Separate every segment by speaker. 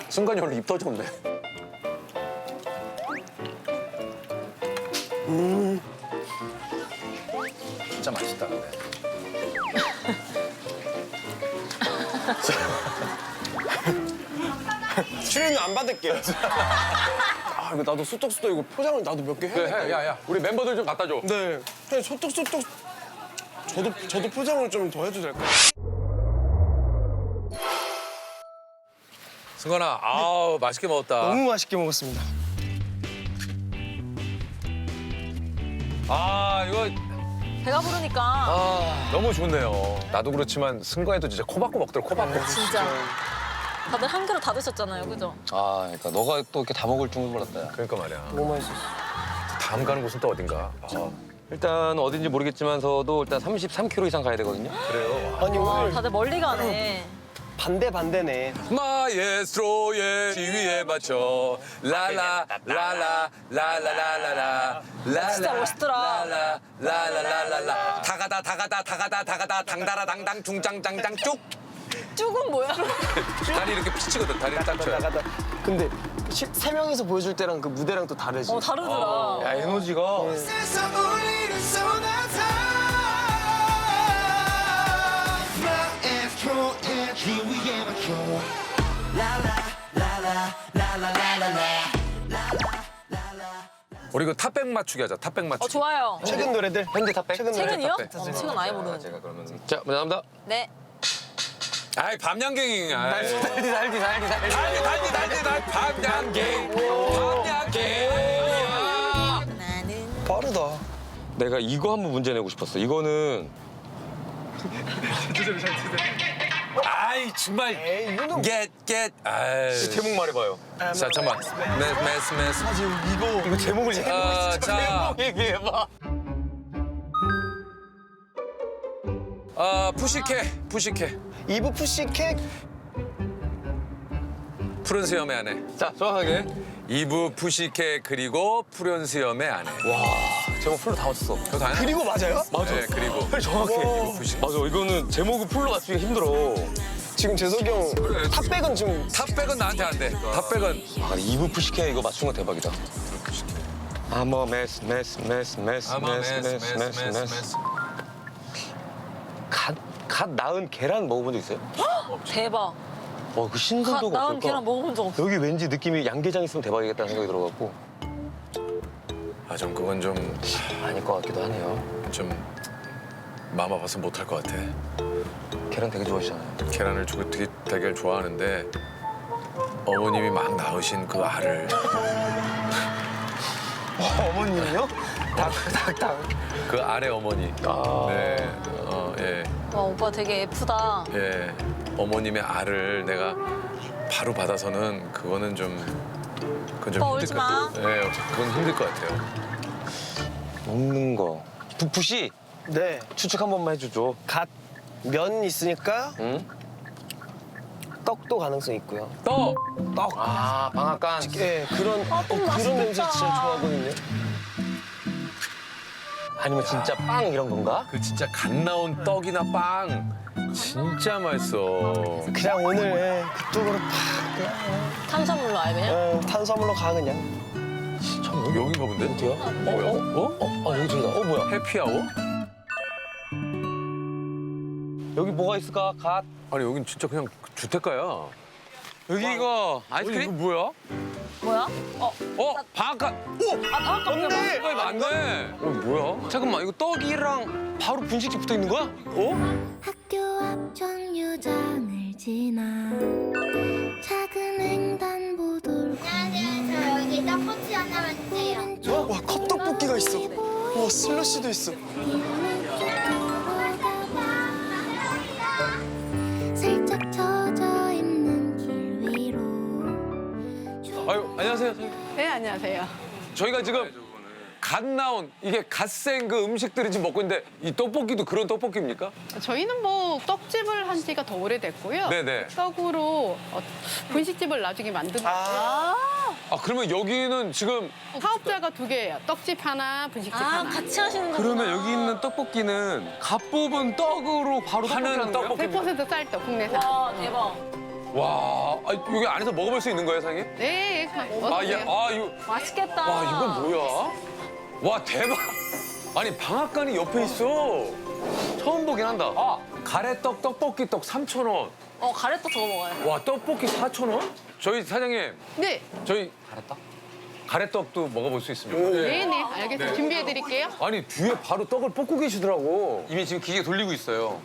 Speaker 1: 순간이 원래 입 터졌네. 진짜 맛있다 근데.
Speaker 2: 출연료 안 받을게요. 아 이거 나도 소떡소떡 이거 포장을 나도 몇 개 해야겠다.
Speaker 1: 그래, 야야, 우리 멤버들 좀 갖다 줘.
Speaker 2: 네. 그냥 소떡소떡 저도 포장을 좀 더 해도 될까요?
Speaker 1: 승관아, 아우 맛있게 먹었다.
Speaker 2: 너무 맛있게 먹었습니다.
Speaker 1: 아 이거
Speaker 3: 배가 부르니까
Speaker 1: 너무 좋네요. 나도 그렇지만 승관이도 진짜 코 박고 먹더라, 코 박고.
Speaker 3: 진짜 다들 한 그릇 다 드셨잖아요, 그죠?
Speaker 4: 아, 그러니까 너가 또 이렇게 다 먹을 줄은 몰랐다. 야.
Speaker 1: 그러니까 말이야.
Speaker 2: 너무 맛있었어.
Speaker 1: 다음 가는 곳은 또 어딘가.
Speaker 4: 일단 어딘지 모르겠지만서도 일단 33km 이상 가야 되거든요.
Speaker 1: 그래요.
Speaker 2: 아니
Speaker 3: 와,
Speaker 2: 오늘
Speaker 3: 다들 멀리 가네.
Speaker 2: 반대네.
Speaker 1: 마에스트로의 지위에 맞춰 라라 라라 라라라라라 라라
Speaker 3: 진짜 멋있더라.
Speaker 1: 라라 라라라라라 다가다 당다라 당당 둥장장장 쭉
Speaker 3: 쭉은 뭐야?
Speaker 1: 다리 이렇게 피치거든. 다리를 딱 쳐요.
Speaker 2: 나가다. 근데 세 명이서 보여줄 때랑 그 무대랑 또 다르지.
Speaker 3: 다르더라.
Speaker 4: 야, 에너지가.
Speaker 5: 세상 울리는 소나타 마에스트로의 지위에 맞춰
Speaker 1: 우리 그 탑백 맞추기 하자. 탑백 맞추기.
Speaker 3: 좋아요.
Speaker 2: 최근 노래들.
Speaker 4: 현대 탑백?
Speaker 2: 최근 노래.
Speaker 3: 최근이요?
Speaker 1: 탑백.
Speaker 3: 최근 아예 모르는.
Speaker 4: 제가 그러면. 자, 감사합니다.
Speaker 3: 네.
Speaker 1: 아이 밤양갱이. 아이.
Speaker 4: 달디.
Speaker 1: 밤양갱.
Speaker 3: 나는
Speaker 2: 빠르다.
Speaker 4: 내가 이거 한번 문제 내고 싶었어. 이거는
Speaker 1: 아이 정말.
Speaker 2: 에이 이거는
Speaker 1: get. 아이.
Speaker 4: 제목 말해봐요.
Speaker 1: 자 잠만. 메스.
Speaker 2: 이거 제목을
Speaker 1: 자.
Speaker 2: 얘기해봐.
Speaker 1: 푸시케.
Speaker 2: 이브 푸시캣.
Speaker 1: 푸른 수염의 아내.
Speaker 4: 자, 정확하게.
Speaker 1: 이브 푸시케 그리고 푸른 수염의 아내.
Speaker 4: 제목 풀로 다 맞췄어.
Speaker 1: 그거 당연하
Speaker 2: 그리고 맞아요?
Speaker 1: 네, 그리고
Speaker 4: 정확해.
Speaker 1: 이브 푸시케.
Speaker 4: 맞아, 이거는 제목을 풀로 맞추기 힘들어.
Speaker 2: 지금 재석이 형 탑백은 지금
Speaker 1: 탑백은 나한테 안 돼. 탑백은
Speaker 4: 아, 이브 푸시케 이거 맞춘 거 대박이다. 아머 메스. 갓 낳은 계란 먹어본 적 있어요?
Speaker 3: 대박.
Speaker 4: 그 신선도가
Speaker 3: 나은
Speaker 4: 어떨까?
Speaker 3: 계란 먹어본 적 없어.
Speaker 4: 여기 왠지 느낌이 양계장 있으면 대박이겠다는 생각이 들어갖고
Speaker 1: 좀 그건 좀
Speaker 4: 아닐 것 같기도 하네요.
Speaker 1: 마음 아파서 못할 것 같아.
Speaker 4: 계란 되게 좋아하시잖아요.
Speaker 1: 계란을 되게 좋아하는데 어머님이 막 낳으신 그 알을
Speaker 2: 어머님이요? 닭.
Speaker 1: 그 알의 어머니. 네. 예.
Speaker 3: 와, 오빠 되게 예쁘다.
Speaker 1: 예. 어머님의 알을 내가 바로 받아서는 그건 좀
Speaker 3: 오빠
Speaker 1: 힘들
Speaker 3: 울지
Speaker 1: 것
Speaker 3: 마.
Speaker 1: 같아요. 예, 그건 힘들 것 같아요.
Speaker 4: 먹는 거. 푸시
Speaker 2: 네.
Speaker 4: 추측 한 번만 해주죠.
Speaker 2: 갓 면 있으니까
Speaker 4: 응?
Speaker 2: 떡도 가능성 있고요.
Speaker 1: 떡!
Speaker 4: 아, 방앗간.
Speaker 2: 예, 그런 그런
Speaker 3: 맛있겠다.
Speaker 2: 냄새 진짜 좋아하거든요.
Speaker 4: 아니면 진짜 빵 이런 건가?
Speaker 1: 그 진짜 갓 나온 떡이나 빵 진짜 맛있어.
Speaker 2: 그냥 오늘 그쪽으로 팍
Speaker 3: 탄수화물로 아예 그냥?
Speaker 2: 탄수화물로 가 그냥.
Speaker 1: 여긴가 본데?
Speaker 4: 어디야?
Speaker 1: 뭐야?
Speaker 4: 여기 저기다. 뭐야?
Speaker 1: 해피아워?
Speaker 4: 여기 뭐가 있을까? 갓.
Speaker 1: 아니 여긴 진짜 그냥 주택가야.
Speaker 4: 여기 이거
Speaker 1: 이거
Speaker 4: 아이스크림?
Speaker 1: 뭐야?
Speaker 3: 뭐야?
Speaker 1: 방앗간.
Speaker 3: 방앗간
Speaker 2: 맞네.
Speaker 1: 이거 맞네. 뭐야?
Speaker 4: 잠깐만, 이거 떡이랑 바로 분식집 붙어 있는 거야?
Speaker 6: 학교 앞 정류장을 지나 작은 횡단보도를
Speaker 7: 안녕하세요. 여기 떡꼬치 하나만 주세요.
Speaker 2: 와 컵떡볶이가 있어. 와 슬러시도 있어.
Speaker 6: 살짝 젖어 있는 길 위로
Speaker 1: 아유 안녕하세요.
Speaker 8: 네, 안녕하세요.
Speaker 1: 저희가 지금 갓 나온 이게 갓생 그 음식들을 지금 먹고 있는데 이 떡볶이도 그런 떡볶이입니까?
Speaker 8: 저희는 뭐 떡집을 한 지가 더 오래됐고요.
Speaker 1: 네네.
Speaker 8: 떡으로 분식집을 나중에 만든 거예요.
Speaker 1: 아 그러면 여기는 지금
Speaker 8: 사업자가 두 개예요. 떡집 하나, 분식집
Speaker 3: 아,
Speaker 8: 하나.
Speaker 3: 같이 하시는 거구나.
Speaker 4: 그러면 여기 있는 떡볶이는 갓 뽑은 떡으로 바로
Speaker 1: 하는
Speaker 4: 떡볶이라는 거예요?
Speaker 1: 떡볶이.
Speaker 8: 100% 쌀떡 국내산.
Speaker 3: 와, 대박.
Speaker 1: 와, 아, 여기 안에서 먹어볼 수 있는 거예요, 사장님?
Speaker 8: 네,
Speaker 1: 아,
Speaker 8: 어떠세요?
Speaker 1: 예, 아, 이거,
Speaker 3: 맛있겠다.
Speaker 1: 와, 이건 뭐야? 와, 대박. 아니, 방앗간이 옆에 있어. 처음 보긴 한다. 아, 가래떡, 떡볶이 떡 3,000원.
Speaker 3: 가래떡 저거 먹어요.
Speaker 1: 와, 떡볶이 4,000원? 저희 사장님,
Speaker 8: 네,
Speaker 1: 저희 가래떡? 가래떡도 먹어볼 수 있습니까?
Speaker 8: 네, 알겠습니다. 준비해드릴게요.
Speaker 1: 아니, 뒤에 바로 떡을 볶고 계시더라고.
Speaker 4: 이미 지금 기계 돌리고 있어요.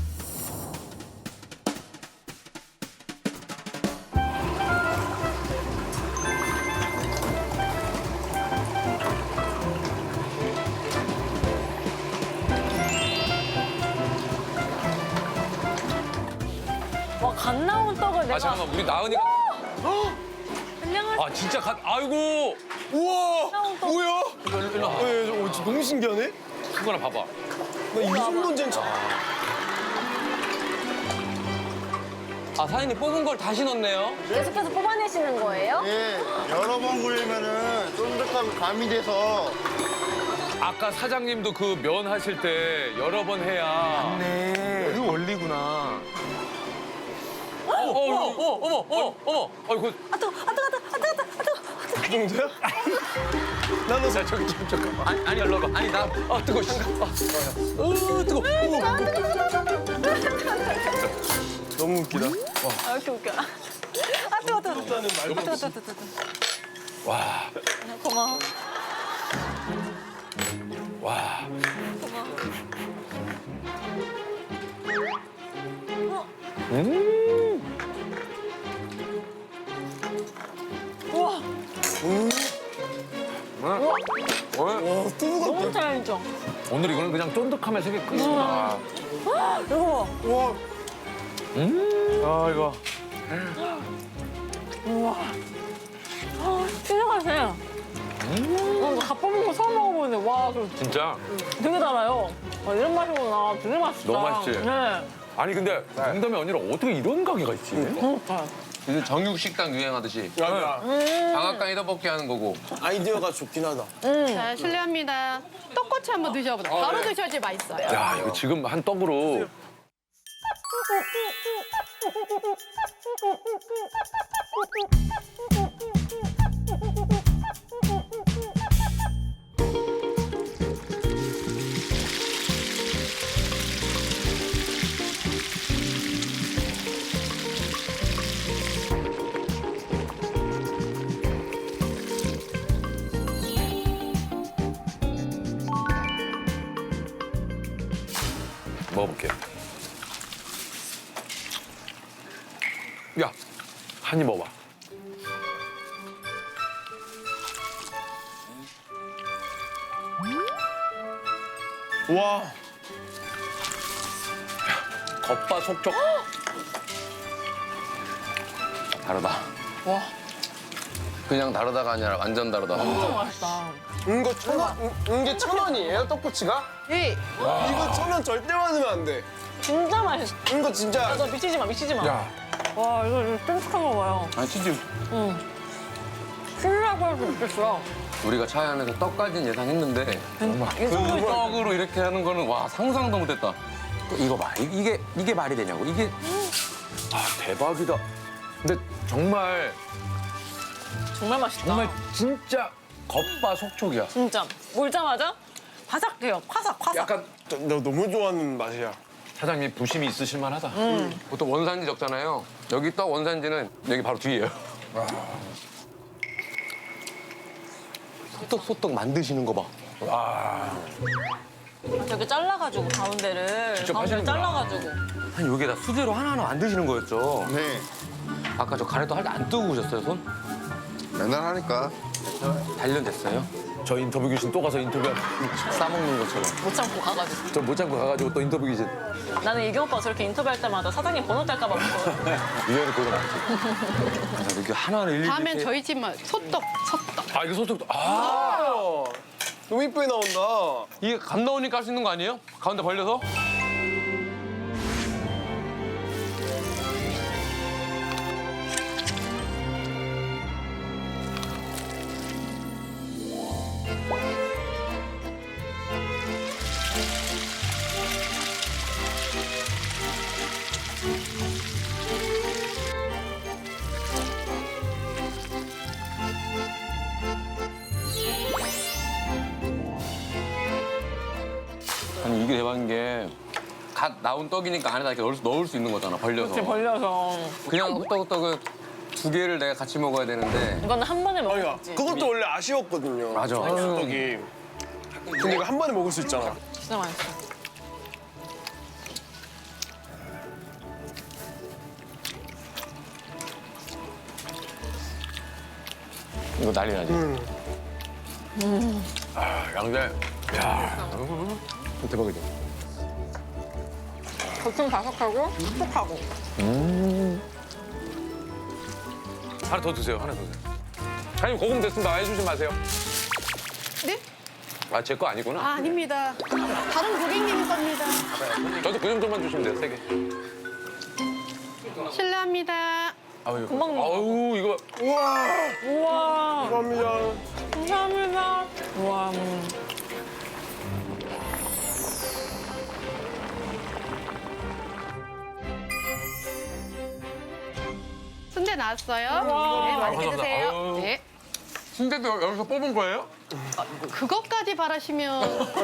Speaker 3: 와, 갓 나온 떡을 내가
Speaker 1: 아, 잠깐만, 우리 나은이가.
Speaker 3: 그냥
Speaker 1: 아, 진짜 아이고.
Speaker 2: 우와!
Speaker 3: 나온 떡.
Speaker 2: 뭐야?
Speaker 1: 일로 와.
Speaker 2: 진짜 너무 신기하네?
Speaker 1: 큰 거나 봐봐.
Speaker 2: 나 이 정도는 처음.
Speaker 4: 아, 사장님 뽑은 걸 다시 넣네요.
Speaker 3: 계속해서 뽑아내시는 거예요?
Speaker 9: 예, 여러 번 굴리면은 쫀득함이 가미돼서
Speaker 1: 아까 사장님도 그 면 하실 때 여러 번 해야.
Speaker 4: 네, 그 원리구나.
Speaker 1: 어머. 아이고.
Speaker 2: 그 정도야? 나도
Speaker 1: 자, 저기 잠깐만. 아니, 일로 와봐. 아니, 나. 아, 뜨거워. 뜨거워.
Speaker 2: 너무 웃기다.
Speaker 3: 아, 이렇게 웃겨. 뜨거.
Speaker 2: 일단은 말도 없이.
Speaker 1: 와.
Speaker 3: 고마워.
Speaker 1: 와.
Speaker 3: 우와,
Speaker 2: 와, 뜨거워.
Speaker 3: 너무 잘 알죠?
Speaker 1: 오늘 이거는 그냥 쫀득함의 세계 끝이구나.
Speaker 3: 이거
Speaker 2: 와,
Speaker 1: 아, 이거.
Speaker 3: 진짜 맛있어요. 갓 뽑은 거 처음 먹어보는데 와,
Speaker 1: 진짜.
Speaker 3: 되게 달아요. 이런 맛이구나. 되게 맛있다.
Speaker 1: 너무 맛있지?
Speaker 3: 네.
Speaker 1: 아니, 근데 농담이 아니라 어떻게 이런 가게가 있지?
Speaker 4: 이제 정육식당 유행하듯이
Speaker 2: 야,
Speaker 4: 방앗간이 떡볶이 하는 거고.
Speaker 2: 아이디어가 좋긴 하다.
Speaker 8: 자, 실례합니다. 떡꼬치 한번 드셔보세요. 바로 드셔야지 맛있어요.
Speaker 1: 야, 이거 지금 한 떡으로. 먹어볼게요. 야, 한 입 먹어봐.
Speaker 2: 와,
Speaker 1: 겉바속촉.
Speaker 4: 다르다. 와. 그냥 다르다가 아니라 완전 다르다.
Speaker 3: 너무 맛있다.
Speaker 2: 이게 1,000원이에요, 떡꼬치가?
Speaker 8: 네,
Speaker 2: 이거 1,000원 절대 받으면 안 돼.
Speaker 3: 진짜 맛있어.
Speaker 2: 이거 진짜.
Speaker 3: 너 미치지 마.
Speaker 1: 야,
Speaker 3: 와, 이거 쫀득한 거 봐요.
Speaker 4: 아, 치즈.
Speaker 3: 신라고 할 수 있겠어.
Speaker 4: 우리가 차 안에서 떡까지는 예상했는데
Speaker 3: 이 정도
Speaker 4: 그 떡으로 이렇게 하는 거는 와 상상도 못했다. 이거 봐, 이게 말이 되냐고. 이게
Speaker 1: 아, 대박이다. 근데 정말
Speaker 3: 맛있다.
Speaker 1: 정말 진짜 겉바속촉이야.
Speaker 3: 진짜 물자마자 바삭해요. 화삭.
Speaker 1: 약간
Speaker 2: 나 너무 좋아하는 맛이야.
Speaker 1: 사장님 부심이 있으실 만하다.
Speaker 4: 보통 원산지 적잖아요. 여기 떡 원산지는 여기 바로 뒤에요. 소떡소떡 만드시는 거 봐.
Speaker 3: 저렇게 잘라가지고 가운데를
Speaker 1: 직접 하시는구나.
Speaker 3: 잘라가지고.
Speaker 4: 아니 여기다 수제로 하나하나 만드시는 거였죠.
Speaker 9: 네,
Speaker 4: 아까 저 가래떡 할 때 안 뜨고 오셨어요, 손?
Speaker 9: 맨날 하니까
Speaker 4: 단련됐어요?
Speaker 1: 저 인터뷰 귀신 또 가서 인터뷰.
Speaker 4: 싸먹는 것처럼.
Speaker 3: 못 참고 가가지고.
Speaker 1: 저 못 참고 가가지고 또 인터뷰 귀신.
Speaker 3: 나는 이경 오빠 저렇게 인터뷰할 때마다 사장님 번호 딸까봐 무서워.
Speaker 1: 위에는 그거 많지.
Speaker 4: 아, 이렇게 하나하나 일일이
Speaker 8: 다음엔
Speaker 4: 이렇게
Speaker 8: 저희 집만 소떡.
Speaker 1: 아, 이거 소떡도. 아,
Speaker 2: 너무 이쁘게 나온다.
Speaker 4: 이게 감 나오니까 할 수 있는 거 아니에요? 가운데 벌려서?
Speaker 1: 이게 대박인 게 갓 나온 떡이니까 안에다 이렇게 넣을 수 있는 거잖아, 벌려서.
Speaker 3: 이렇게 벌려서.
Speaker 1: 그냥 호떡호떡은 두 개를 내가 같이 먹어야 되는데.
Speaker 3: 이거는 한 번에
Speaker 2: 그러니까
Speaker 3: 먹었지.
Speaker 2: 그것도 원래 아쉬웠거든요.
Speaker 1: 맞아.
Speaker 2: 떡이. 근데 이거 한 번에 먹을 수 있잖아.
Speaker 3: 진짜 맛있어.
Speaker 1: 이거 난리 나지? 아, 양대. 야, 대박이다.
Speaker 3: 겉은 바삭하고 촉촉하고.
Speaker 1: 하나 더 드세요, 하나 더 드세요. 사장님, 고금 됐습니다. 많이 주지 마세요.
Speaker 8: 네?
Speaker 1: 아, 제 거 아니구나.
Speaker 8: 아, 아닙니다. 다른 고객님이 겁니다.
Speaker 1: 저도 그 정도만 주시면 돼요, 세 개.
Speaker 8: 실례합니다.
Speaker 1: 아유,
Speaker 3: 금방 먹어.
Speaker 1: 아유, 이거.
Speaker 2: 우와.
Speaker 3: 우와.
Speaker 2: 감사합니다.
Speaker 3: 감사합니다. 우와.
Speaker 8: 순대 나왔어요.
Speaker 3: 우와.
Speaker 8: 네, 맛있게
Speaker 1: 감사합니다.
Speaker 8: 드세요.
Speaker 1: 아유.
Speaker 8: 네.
Speaker 1: 순대도 여기서 뽑은 거예요?
Speaker 8: 그것까지 바라시면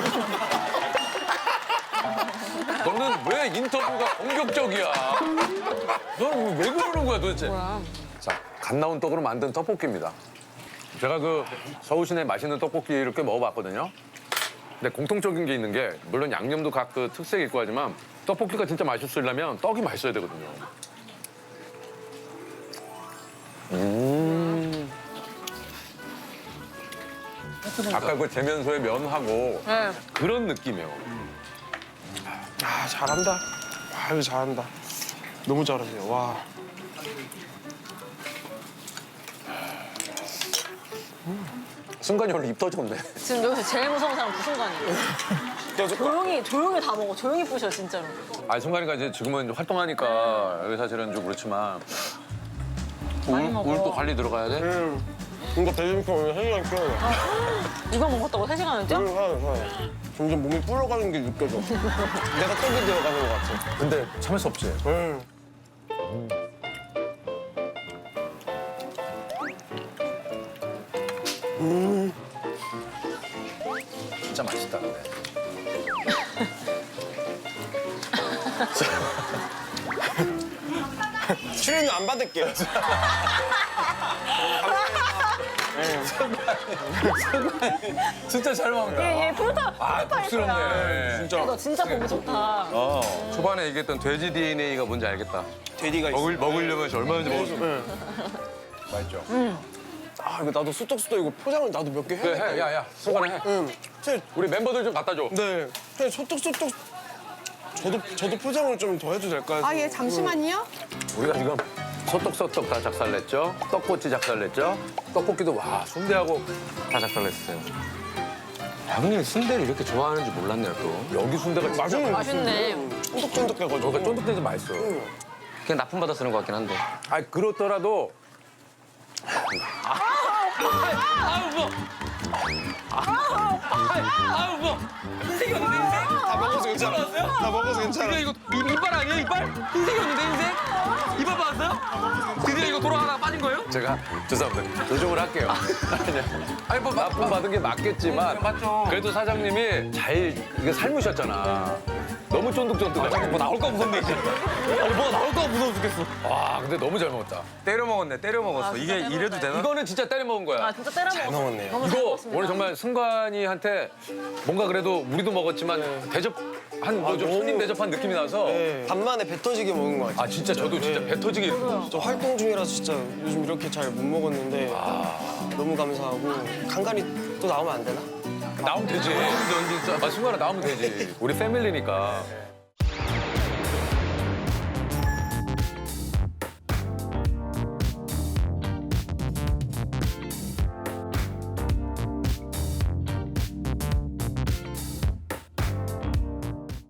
Speaker 1: 너는 왜 인터뷰가 공격적이야? 너는 왜 그러는 거야 도대체? 자, 갓 나온 떡으로 만든 떡볶이입니다. 제가 그 서울 시내 맛있는 떡볶이를 꽤 먹어봤거든요. 근데 공통적인 게 있는 게 물론 양념도 각 그 특색이 있고 하지만 떡볶이가 진짜 맛있으려면 떡이 맛있어야 되거든요. 아까 그 재면소의 면하고
Speaker 3: 네.
Speaker 1: 그런 느낌이에요.
Speaker 2: 아 잘한다. 아유 잘한다. 너무 잘하세요. 와.
Speaker 1: 순간이 원래 입 터졌네.
Speaker 3: 지금 여기서 제일 무서운 사람 그 순간이에요. 조용히 다 먹어. 조용히 부셔 진짜로.
Speaker 1: 아 순간이가 이제 지금은 이제 활동하니까 여기 사실은 좀 그렇지만
Speaker 3: 많이 먹어.
Speaker 1: 울도 관리 들어가야 돼?
Speaker 2: 이거 대중표 오늘 생각 껴요.
Speaker 3: 이거 먹었다고 3시간을 뛰어?
Speaker 2: 사요. 점점 몸이 불러가는 게 느껴져. 내가 떡이 되어가는 것 같아.
Speaker 1: 근데 참을 수 없지. 진짜 맛있다 근데.
Speaker 2: 출연료 안 받을게요.
Speaker 1: 진짜 잘 먹는다.
Speaker 3: 얘 프로타
Speaker 1: 아 복스럽네.
Speaker 2: 진짜
Speaker 3: 너 진짜 보기 좋다.
Speaker 1: 초반에 얘기했던 돼지 DNA가 뭔지 알겠다.
Speaker 2: 돼지가 있어.
Speaker 1: 먹으려면 얼마든지 먹을 수 있어. 맛있죠?
Speaker 2: 아 이거 나도 수떡수떡 이거 포장을 나도 몇 개 해.
Speaker 1: 그래 해, 야야 순간에 해.
Speaker 2: 응. 제,
Speaker 1: 우리 멤버들 좀 갖다 줘.
Speaker 2: 네. 그냥 소떡소떡. 저도 포장을 좀 더 해도 될까요?
Speaker 8: 아, 예, 잠시만요.
Speaker 1: 우리가 지금 소떡소떡 다 작살냈죠? 떡꼬치 작살냈죠? 떡볶이도 와 순대하고 다 작살냈어요. 형님 순대를 이렇게 좋아하는지 몰랐네요 또. 여기 순대가 진짜
Speaker 2: 맛있는
Speaker 3: 맛있네.
Speaker 2: 쫀득쫀득해가지고.
Speaker 1: 그러니까 쫀득대서 맛있어.
Speaker 4: 그냥 납품 받아 쓰는 것 같긴 한데.
Speaker 1: 아 그렇더라도
Speaker 2: 다 먹어서 괜찮아. 다 먹어서 괜찮아.
Speaker 4: 이거 이빨 아니에요 이빨? 흰색이었는데 흰색? 이빨 받았어요? 드디어 이거 돌아가다가 빠진 거예요?
Speaker 1: 제가 죄송합니다. 조정을 할게요. 아니 뭐 납품 받은 게 맞겠지만
Speaker 4: 맞죠.
Speaker 1: 그래도 사장님이 잘 이게 삶으셨잖아. 너무 쫀득쫀득해.
Speaker 4: 뭐 나올까 무섭네 진짜. 아니 뭐가 나올까 무서워 죽겠어.
Speaker 1: 와 근데 너무 잘 먹었다.
Speaker 4: 때려 먹었네 때려 먹었어.
Speaker 3: 진짜
Speaker 4: 이게 이래도 되나?
Speaker 1: 이거는 진짜 때려 먹은 거야.
Speaker 3: 아 진짜 때려 먹었어.
Speaker 2: 먹었네요.
Speaker 3: 너무 잘
Speaker 1: 이거
Speaker 3: 먹었습니다.
Speaker 1: 오늘 정말 승관이한테 뭔가 그래도 우리도 먹었지만 대접한 뭐좀
Speaker 2: 너무-
Speaker 1: 손님 대접한 느낌이 나서
Speaker 2: 네. 간만에 배 터지게 먹은 것 같아요.
Speaker 1: 아 진짜 저도 진짜 배 터지게 이렇게
Speaker 2: 저 활동 중이라서 진짜 요즘 이렇게 잘 못 먹었는데 너무 감사하고 간간히 또 나오면 안 되나?
Speaker 1: 나오면 되지. 아, 승관아 나오면 되지. 우리 패밀리니까.